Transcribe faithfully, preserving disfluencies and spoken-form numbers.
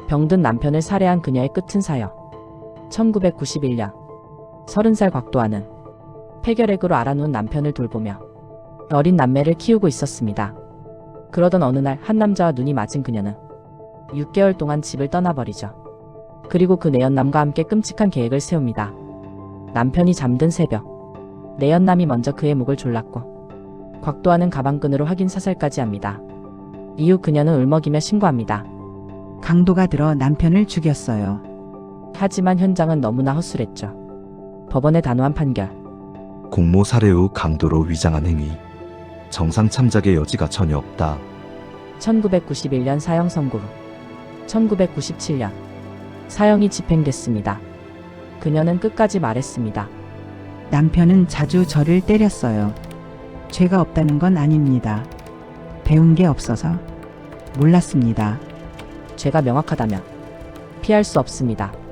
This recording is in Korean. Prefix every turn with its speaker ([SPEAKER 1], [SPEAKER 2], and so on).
[SPEAKER 1] 병든 남편을 살해한 그녀의 끝은 사형. 천구백구십일 년 서른 살 곽도아는 폐결핵으로 앓아누운 남편을 돌보며 어린 남매를 키우고 있었습니다. 그러던 어느 날 한 남자와 눈이 맞은 그녀는 육 개월 동안 집을 떠나버리죠. 그리고 그 내연남과 함께 끔찍한 계획을 세웁니다. 남편이 잠든 새벽, 내연남이 먼저 그의 목을 졸랐고 곽도아는 가방끈으로 확인 사살까지 합니다. 이후 그녀는 울먹이며 신고합니다.
[SPEAKER 2] 강도가 들어 남편을 죽였어요.
[SPEAKER 1] 하지만 현장은 너무나 허술했죠. 법원의 단호한 판결.
[SPEAKER 3] 공모 살해 후 강도로 위장한 행위. 정상 참작의 여지가 전혀 없다.
[SPEAKER 1] 천구백구십일 년 사형 선고 후 천구백구십칠 년 사형이 집행됐습니다. 그녀는 끝까지 말했습니다.
[SPEAKER 2] 남편은 자주 저를 때렸어요. 죄가 없다는 건 아닙니다. 배운 게 없어서 몰랐습니다.
[SPEAKER 1] 죄가 명확하다면 피할 수 없습니다.